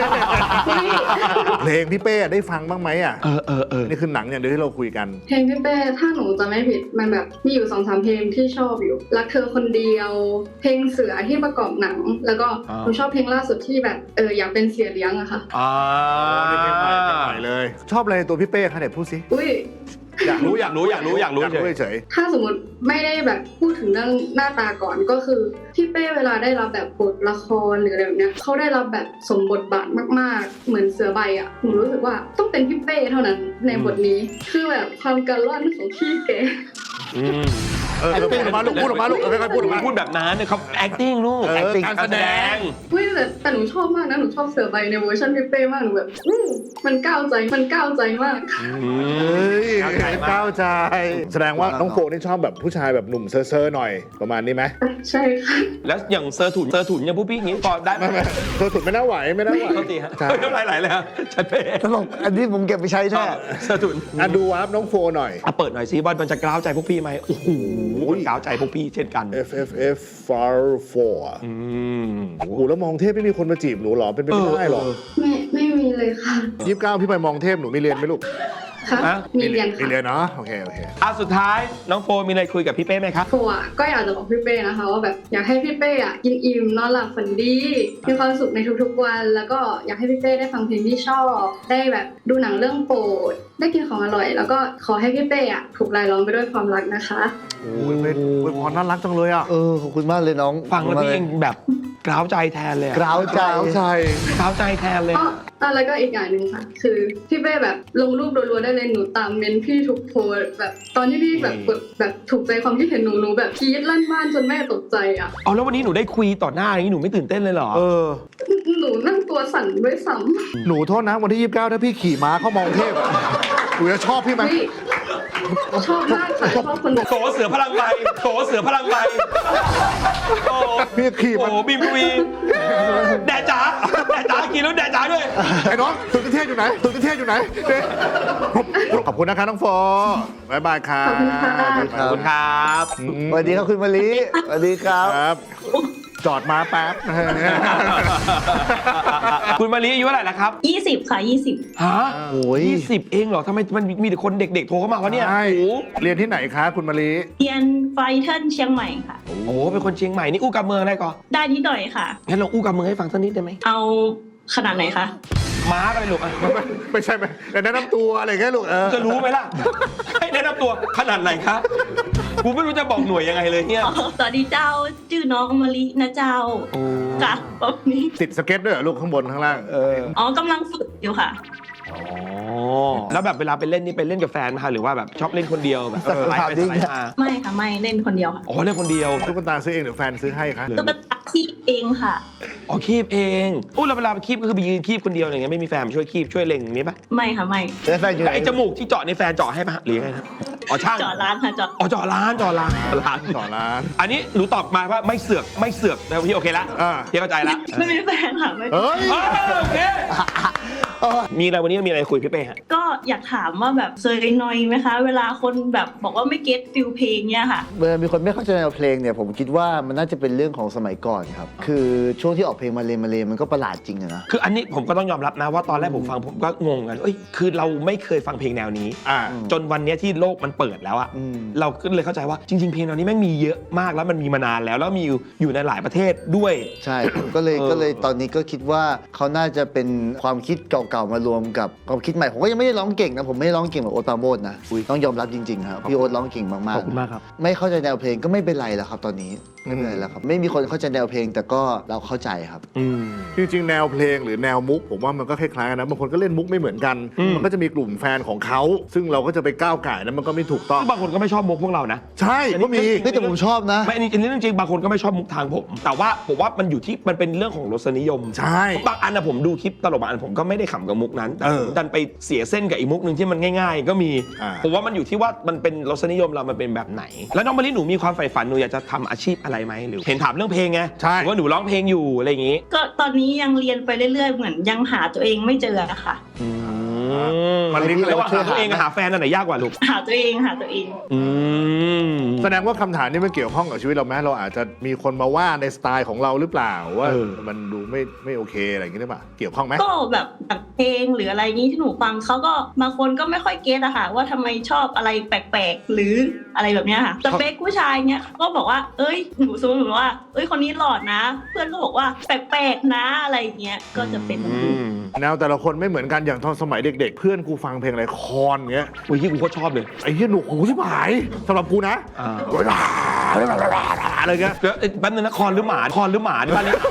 B: เพลงพี่เป้ได้ฟังบ้างไหมอ่ะ
A: เออ
B: นี่คือหนังอย่างเดียวที่เราคุยกัน
E: เพลงพี่เป้ถ้าหนูจะไม่ผิดมันแบบมีอยู่2-3 เพลงที่ชอบอยู่รักเธอคนเดียว เพลงเสือที่ประกอบหนัง แล้วก็หนูชอบเพลงล่าสุดที่แบบอยากเป็นเสียเลี้ยงอะค่ะ
B: นี่เพลงใหม่เลย ชอบอะไรในตัวพี่เป้คะเนี่ยพูดสิ
E: อุ้ย
B: อยากรู้
A: อยากรู้เฉย
B: เฉย
E: ถ้าสมมติไม่ได้แบบพูดถึงเรื่องหน้าตาก่อนก็คือพี่เป้เวลาได้รับแบบบทละครหรืออะไรแบบเนี้ยเขาได้รับแบบสมบทบาทมากๆ เหมือนเสือใบอ่ะหนูรู้สึกว่าต้องเป็นพี่เป้เท่านั้นในบทนี้คือแบบความกระล่อนของพี่แก
B: พูดออกมาลูกพูดออกมาลูกค่อยๆพูดออกมา
A: พูดแบบนั้นเนี่ยเขา acting ลูก acting
B: การแสดง
E: อุ้ยแต่หนูชอบมากนะหนูชอบเสือใบในเวอร์ชันพี่เป้มากหนูแบบมันก้าวใจมาก
B: เฮ้ยก้าวใจ แสดงว่าน้องโฟนี่ชอบแบบผู้ชายแบบหนุ่มเซอร์ๆหน่อยประมาณนี้ไหม
E: ใช่ค่ะ
A: แล้วอย่างเซอร์ถุนอย่างพวกพี่อย่างนี้พอได้ไหม
B: ไม่เธอสุดไม่น่าไหวไม่น่าไหว
A: โทษทีฮะ
B: ใช่
A: น้ำลายไหลเลยฮะชัดเป้
C: ๆตลกอันนี้ผมเก็บไปใช้แท้
A: เซอร์ถุน
B: ดูวาร์ปน้องโฟหน่อย
A: เปิดหน่อยซิว่ามันจะกล้าวใจพวกพี่ไหมโอ้โหกล้าวใจพวกพี่เช่นกัน
B: FFF Far 4โอ้โหแล้วมองเทพไม่มีคนมาจีบหนูหรอเป็นไปไม่ได้หรอ
E: ไม่มีเลยค่ะ
B: 29พี่ไปมองเทพหนูมีเรียนไหมลูก
E: ค่ะ
A: ฮะ
E: มีเรียน
B: มี
E: ค่ะ
B: เรียนเนาะโอเค
A: สุดท้ายน้องโฟมีอะไรคุยกับพี่เป้ไหมครับ
E: โฟอ่ะก็อยากจะบอกพี่เป้นะคะว่าแบบอยากให้พี่เป้อ่ะกินอิ่มนอนหลับฝันดีมีความสุขในทุกๆวัน แล้วก็อยากให้พี่เป้ได้ฟังเพลงที่ชอบได้แบบดูหนังเรื่องโปรดได้กินของอร่อย แล้วก็ขอให้พี่เป้อ่ะถูกรายล้อมไปด้วยความรักนะคะ
B: โอ้ยพรน่ารักจังเลยอ่ะ
C: ขอบคุณมากเลยน้อง
A: ฟังแล้วพี่เองแบบกล้าวใจแทนเลยอะ
C: กล้าวใจ
B: ใช่
A: กล้าวใจแทนเลย
E: แล้วก็อีกอย่างหนึ่งค่ะ คือพี่เป้แบบลงรูปรัวๆได้เลยหนูตามเมนพี่ทุกโพสต์แบบตอนที่พี่แบบกดแบบถูกใจความคิดเห็นหนูแบบกรี๊ดลั่นบ้านจนแม่ตกใจอ่ะ
A: เอาแล้ววันนี้หนูได้คุยต่อหน้าอย่างนี้หนูไม่ตื่นเต้นเลยเหรอ
E: หนูนั่งตัวสั่นด้วยซ้
B: หนูโทษนะวันที่ 29 ถ้าพี่ขี่ม้าเข้ามองเทพอะหนูจะชอบพี่ไหม
E: ำเฮ้ยชอบมากค่ะชอบคนแบบ
A: โถเสือพลังใบโถเสือพลังใบโอ้
B: พี่ขี่มัน
A: โหบีมวีแดดจ๋ากินแล้วแดดจ๋าด้วย
B: ไอ้น้องสุดเทพอยู่ไหนเนี่ยขอบคุณนะคะน้องโฟบ๊ายบายครับ
E: ขอบคุณค่ะ
A: ขอบคุณครับ
C: สวัสดีครับคุณมะลิสวัสดีครับ
B: ครับ จอดมาแป๊บ
A: คุณมาลีอายุเท่าไหร่แล้วครับ
F: 20 ค่ะ 20
A: ฮะ
C: โอ้ย
A: 20 เองเหรอทำไมมันมีแต่คนเด็กๆโทรเข้ามาวะเนี่ย
B: ใช่
A: โอ้โห
B: เรียนที่ไหนคะคุณมะลิ
F: เรียนไฟเทิลเชียงใหม่ค่ะ
A: โอ้โหเป็นคนเชียงใหม่นี่อู้กับเมืองได้ก่อน
F: ได้นิดหน่อยค่ะ
A: งั้นลองอู้กับเมืองให้ฟังสักนิดได้ไหม
F: เอาขนาดไหนคะ
A: ม้าก็ไปลูกอ่ะ
B: ไม่ใช่ไหมแต่แนะนำตัวอะไรแค่ลูก
A: จะรู้ไหมล่ะ ให้แนะนำตัวขนาดไหนครับกูไม่รู้จะบอกหน่วยยังไงเลยเนี่ย
F: สวัสดีเจ้า ชื่อน้องมะลินะเจ้าค่ะแบบนี้
B: ติดสเก็ตด้วยเหรอลูกข้างบนข้างล่าง
F: อ๋อกำลังฝึกอยู่ค่ะ
A: อ๋อแล้วแบบเวลาไปเล่นนี่ไปเล่นกับแฟนไหมคะหรือว่าแบบชอบเล่นคนเดียวแบบสไลด์ไปสไลด์มา
F: ไม่ค่ะ ไม่เล่นคนเดียวค่ะ
A: อ๋อเล่นคนเดียว
B: ตุ๊กตาซื้อเองหรือแฟนซื้อให้คะ
F: ตุ๊กตาที่เองค่ะ
A: อ๋อคีบเองอู้แล้วเวลาไปคีบก็คือไปยืนคีบคนเดียวอย่างเงี้ยไม่มีแฟนมาช่วยคีบช่วยเล็งอย่างนี้ปะ
F: ไม่ค่ะ ไม่
C: แล้วแฟนอยู่ไหน
A: ไอ้จมูกที่เจาะในแฟนเจาะให้ปะหรือยังไงครับอ๋อช่าง
F: จอดร้านค่ะจอด
A: อ๋อเจาะร้าน
B: ต่อร้าน
A: อันนี้หนูตอบมาว่าไม่เสือกนะพี่โอเคละ
B: อ่า
A: พี่เข้าใจละ
F: ไม่มีแฟนค่ะไม่
B: เฮ้ย
A: โอเคมีอะไรวันนี้มีอะไรคุยพี่เป้ฮะ
F: ก็อยากถามว่าแบบเคยนอยไหมคะ เวลาคนแบบบอกว่าไม่เก็ตฟิลเพลงเนี้ยค่ะ
C: เวลามีคนไม่เข้าใจแนวเพลงเนี่ยผมคิดว่ามันน่าจะเป็นเรื่องของสมัยก่อนครับ คือช่วงที่ออกเพลงมาเลมันก็ประหลาดจริงอะนะ
A: คืออันนี้ผมก็ต้องยอมรับนะว่าตอนแรกผมฟังผมก็งงกันเอ้ยคือเราไม่เคยฟังเพลงแนวนี้ จนวันเนี้ยที่โลกมันเปิดแล้วอะ
C: อืม
A: เราก็เลยเข้าใจว่าจริง ๆ เพลงแนวนี้แม่งมีเยอะมากแล้วมันมีมานานแล้วมีอยู่ในหลายประเทศด้วย
C: ใช่ ก็เลยตอนนี้ก็คิดว่าเขาน่าจะเป็นความคิดเก่าๆมารวมกับความคิดใหม่ผมก็ยังไม่ได้ร้องเก่งนะผมไม่ได้ร้องเก่งแบบโอ๊ตปราโมชนะต้องยอมรับจริงๆครับพี่โอ๊ตร้องเก่งมาก
A: ขอบคุณมากครับ
C: ๆไม่เข้าใจแนวเพลงก็ไม่เป็นไรแล้วครับตอนนี้ไม่เป็นไรแล้วครับไม่มีคนเข้าใจแนวเพลงแต่ก็เราเข้าใจครับ
B: จริงๆแนวเพลงหรือแนวมุกผมว่ามันก็คล้ายๆกันนะบางคนก็เล่นมุกไม่เหมือนกันมันก็จะมีกลุ่มแฟนของเขาซึ่งเราก็จะไปก้าวก่ายนั้นมันก็ไม่ถูกต้อง
A: บางคนก็ไม่ชอบมุกพวกเรานะ
B: ใช่ก็มี
C: เฮ้ยแต่ผมชอบนะ
A: ไม่อันนี้เรื่องจริงบางคนก็ไม่ชอบมุกทางผม แต่ว่าผมว่ามันอยู่ที่มันเป็นเรื่องของรสนิยม
B: ใช่
A: บางอันนะผมดูคลิปตลกบางอันผมก็ไม่ได้ขำกับมุกนั้นแต่ผมดันไปเสียเส้นกับอีกมุกหนึ่งที่มันง่าย ๆ ก็มีผมว่ามันอยู่ที่ว่ามันเป็นรสนิยมเรามันเป็นแบบไหน แล้วน้องมะลิหนูมีความใฝ่ฝันหนูอยากจะทำอาชีพอะไรไหมหรือเห็นถามเรื่องเพลงไง
B: ใช่
A: หรือว่าหนูร้องเพลงอยู่อะไรอย่างงี้
F: ก็ตอนนี้ยังเรียนไปเรื่อยๆเหมือนยังหาตัวเองไม่เจออะค่ะ
B: มันลิงก์
A: แล้วว่าหาตัวเองกับหาแฟนอันไหนยากกว่าลูก
F: หาตัวเอง
A: อืม
B: แสดงว่าคำถามนี้มันเกี่ยวข้องกับชีวิตเราไหมเราอาจจะมีคนมาว่าในสไตล์ของเราหรือเปล่าว่ามันดูไม่โอเคอะไรอย่างนี้หรือเปล่าเกี่ยวข้องไหม
F: ก็แบบเพลงหรืออะไรนี้ที่หนูฟังเขาก็บางคนก็ไม่ค่อยเก็ตอะค่ะว่าทำไมชอบอะไรแปลกๆหรืออะไรแบบเนี้ยค่ะสเปคผู้ชายเนี้ยก็บอกว่าเอ้ยหนูสมมติว่าเอ้ยคนนี้หล่อนะ เพื่อนก็บอกว่าแปลกๆนะอะไรเงี้ยก็จะเป็น
B: แนวแต่ละคนไม่เหมือนกันอย่างตอนสมัยเด็กๆ เพื่อนกูฟังเพลงอะไรคอนเงี้ย
A: อุ้ยที่กูก็ชอบเลย
B: ไอ้เหี้ยหนูหูชิบหายสำหรับกูนะอะไรเงี้ย
A: แล้วแป๊บนึงนะคอนหรือหมาที่บ้านเลี้ยง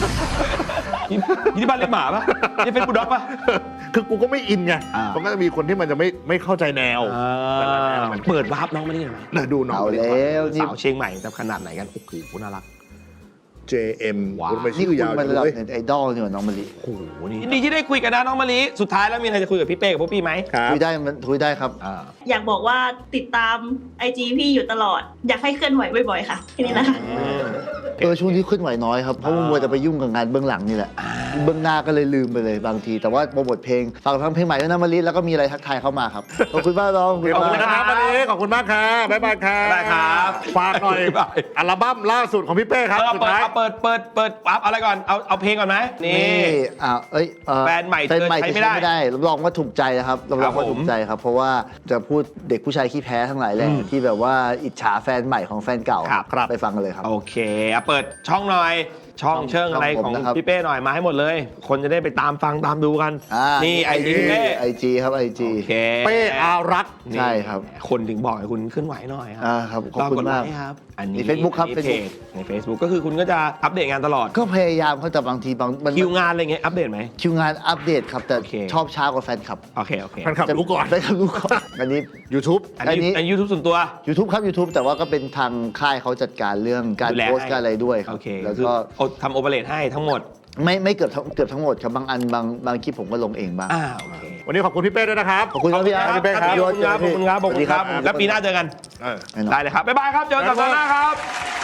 A: ที่บ้านเลี้ยงหมาปะนี่เป็นบูลด็อกปะ
B: คือกูก็ไม่อินไงมันก็จะมีคนที่มันจะไม่เข้าใจแนว
A: เปิดวาร์ปน้องมานี่หน่อยไหม
B: น่าดูน้อง
C: เอาแล้วนี่
A: สาวเชียงใหม่จะขนาดไหนกันโอ้โหน่ารัก
B: JM
A: ว้าว
B: คุณไป
C: นี่
B: ชื่
C: คุ
B: อ
C: ณ
B: ยาว
C: มัน
B: จั
C: ระ
B: ง
C: ดับ
B: เลย
C: เน็ตไอดอลนี่หว่าน้องมะลิ
A: โอ้โหนี่ยินดีที่ได้คุยกันนะน้องมะลิสุดท้ายแล้วมีอะไรจะคุยกับพี่เป้กับพวกพี่ไหม
B: ครับ
C: คุยได้มันคุยได้ครับ
F: อยากบอกว่าติดตาม IG พี่อยู่ตลอด อยากให้เคลื่อนไหวบ่อยๆค่ะแค่นี้นะคะ
C: ช่วงที่ขึ้นไหวน้อยครับเพราะมัวแต่ไปยุ่งกับงานเบื้องหลังนี่แหละเบื้องหน้าก็เลยลืมไปเลยบางที แต่ว่าโปรโมทเพลงฝากฟังเพลงใหม่ด้วยนะมะลิแล้วก็มีอะไรทักทายเข้ามาครับขอบคุณมากน้อง
B: ขอบคุณนะครับวันนี้ขอบคุณมากครับบ๊ายบายครับ
A: ได้ครับ
B: ฝากหน่อย
A: บ๊ายบาย
B: อัลบั้มล่าสุดของพี่เป้ครับสุดท้าย
A: เปิดอัพอะไรก่อนเอาเพลงก่อนไหมนี่
C: แฟนใหม่จะใช้ไม่ได้รับรองว่าถูกใจนะครับรับรองว่าถูกใจครับเพราะว่าจะพูดเด็กผู้ชายขี้แพ้ทั้งหลายแหละที่แบบว่าอิจฉาแฟนใหม่ของแฟนเก่าไปฟังกันเลยครับ
A: โอเคเปิดช่องหน่อยช่องเชิงอะไรของพี่เป้หน่อยมาให้หมดเลย คนจะได้ไปตามฟังตามดูกันนี่ไอจีพี่เป้
C: IG ครับ IG
A: โอเค
B: เป้อารักษ์
C: ใช่ครับ
A: คนถึงบอกให้คุณขึ้นไหวหน่อยครั
C: ครับขอบคุณมาก
A: รดไลค์ครับอันนี้
C: ใน Facebook ครับ
A: เพจใน Facebook ก็คือคุณก็จะอัปเดตงานตลอด
C: ก็พยายามเขาแต่บางทีมัน
A: คิวงานอะไรเงี้ยอัปเดตไหม
C: คิวงานอัปเดตครับแต่
A: โอเค
C: ชอบช้ากว่าแฟนคลับ
A: โอเค
B: แฟนคลับรู้ก่อน
C: แฟนคลับรู้ก่อนอันนี้
B: YouTube
A: อันนี้ยูทูบส่วนตัว
C: YouTube ครับ YouTube แต่ว่าก็เป็นทางค่ายเขาจัดการเรื่องการ
A: ดูแล
C: โพสต์การอะไรด้วยครั
A: โอบ เค
C: แล้ว
A: คือ
C: ก็
A: ทำโอเปเรตให้ทั้งหมด
C: ไม่เกือบทั้งหมดครับบางอันบางคลิปผมก็ลงเองบ้าง
A: โอเค
B: วันนี้ขอบคุณพี่เป้ด้วยนะครับ
C: ขอบคุณครับพี่อาร์ต
B: พี่เป้ครับ
A: ขอบคุณครับแล้วปีหน้าเจอกัน
C: แน่นอน
A: ได้เลยครับบ๊ายบายครับเจอกันสัปดาห์หน้าครับ